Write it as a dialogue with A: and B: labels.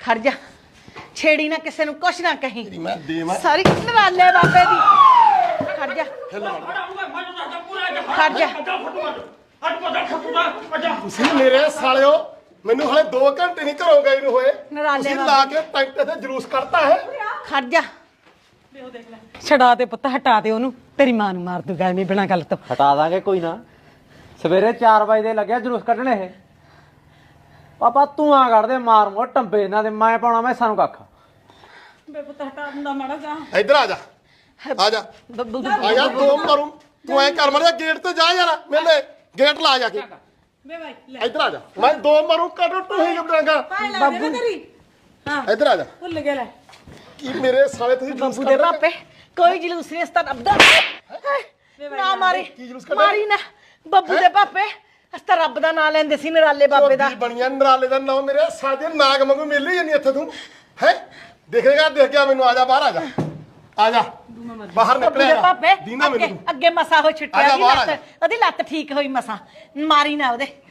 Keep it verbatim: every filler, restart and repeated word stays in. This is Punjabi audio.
A: ਖੜ ਜਾ ਛੇੜੀ ਨਾ ਕਿਸੇ ਨੂੰ ਕੁਛ ਨਾ ਕਹੀਂ
B: ਮੈਂ ਦੇਵਾਂ
A: ਸਾਰੀ ਨਰਾਲੇ ਬਾਬੇ ਦੀ ਖੜ ਜਾ ਖੜ ਜਾ
B: ਤੁਸੀਂ ਮੇਰੇ ਸਾਲਿਓ ਮੈਨੂੰ ਹਲੇ ਦੋ ਘੰਟੇ ਨਹੀਂ ਘਰੋਂ ਗਏ ਨੂੰ ਹੋਏ
A: ਨਰਾਲੇ
B: ਤੁਸੀਂ ਲਾ ਕੇ ਟੈਂਟ ਤੇ ਜਲੂਸ ਕੱਢਤਾ ਹੈ
A: ਖੜ ਜਾ
C: ਛਡਾ ਦੇ ਪੁੱਤ ਹਟਾ ਦੇ ਉਹਨੂੰ ਤੇਰੀ ਮਾਂ ਨੂੰ ਮਾਰ ਦੂਗਾ ਐਵੇਂ ਬਿਨਾਂ ਗੱਲ ਤੋਂ
D: ਹਟਾ ਦਾਂਗੇ ਕੋਈ ਨਾ ਸਵੇਰੇ ਚਾਰ ਵਜੇ ਦੇ ਲੱਗਿਆ ਜਲੂਸ ਕੱਢਣ ਇਹ ਪਾਪਾ ਤੂੰ ਆ ਕੱਢਦੇ ਮਾਰ ਮੋ ਟੰਬੇ ਇਹਨਾਂ ਦੇ ਮੈਂ ਪਾਉਣਾ ਮੈਂ ਸਾਨੂੰ ਕੱਖ
C: ਬੇ ਪੁੱਤ ਹਟਾ ਦਿੰਦਾ ਮਾੜਾ ਜਾ
B: ਇੱਧਰ ਆ ਜਾ ਆ ਜਾ
A: ਬੱਬੂ
B: ਆ ਜਾ ਦੋ ਮਾਰੂ ਤੂੰ ਐ ਕਰ ਮੜਿਆ ਗੇਟ ਤੇ ਜਾ ਯਾਰ ਮੇਲੇ ਗੇਟ ਲਾ ਜਾ ਕੇ
C: ਬੇ ਭਾਈ
B: ਇੱਧਰ ਆ ਜਾ ਮੈਂ ਦੋ ਮਾਰੂ ਕੱਢ ਟੂਹੀ ਜੁੜਾਂਗਾ
C: ਬੱਬੂ ਤੇਰੀ ਹਾਂ
B: ਇੱਧਰ ਆ ਜਾ
C: ਭੁੱਲ ਗਿਆ ਲੈ
B: ਕੀ ਮੇਰੇ ਸਾਲੇ ਤੁਸੀਂ ਜਲੂਸ
A: ਬੱਬੂ ਦੇ ਪਾਪੇ ਕੋਈ ਜਲੂਸ ਨਹੀਂ ਅਸਤਾ ਰੱਬਦਾ ਨਾ ਮਾਰੀ
B: ਕੀ ਜਲੂਸ ਕੱਢਿਆ?
A: ਮਾਰੀ ਨਾ ਬੱਬੂ ਦੇ ਪਾਪੇ ਅਸਤਾ ਰੱਬ ਦਾ ਨਾਂ ਲੈਂਦੇ ਸੀ ਨਰਾਲੇ ਬਾਬੇ ਦਾ
B: ਝੋਟੀ ਬਣੀਆਂ ਨਰਾਲੇ ਦਾ ਨਾਮ ਮੇਰੇ ਸਾਜੇ ਨਾਗ ਵਾਂਗੂ ਮਿਲ ਹੀ ਜਾਂਦੀ ਇੱਥੇ ਤੂੰ ਹੈ ਦੇਖੇਗਾ ਦੇਖ ਗਿਆ ਮੈਨੂੰ ਆ ਜਾ ਬਾਹਰ ਆ ਜਾ ਆ ਜਾ ਬਾਹਰ
A: ਬੱਬੂ ਦੇ
B: ਨਿਕਲਿਆ
A: ਪਾਪੇ
B: ਦੀਨਾ
A: ਅੱਗੇ
B: ਮੈਨੂੰ
A: ਅੱਗੇ ਮਸਾ ਹੋ
B: ਆ
A: ਛੁੱਟਿਆ
B: ਜਾ
A: ਦੀ
B: ਬਾਹਰ ਆ
A: ਲੱਤ ਉਹਦੀ ਲੱਤ ਠੀਕ ਹੋਈ ਮਸਾ ਮਾਰੀ ਨਾ ਉਹਦੇ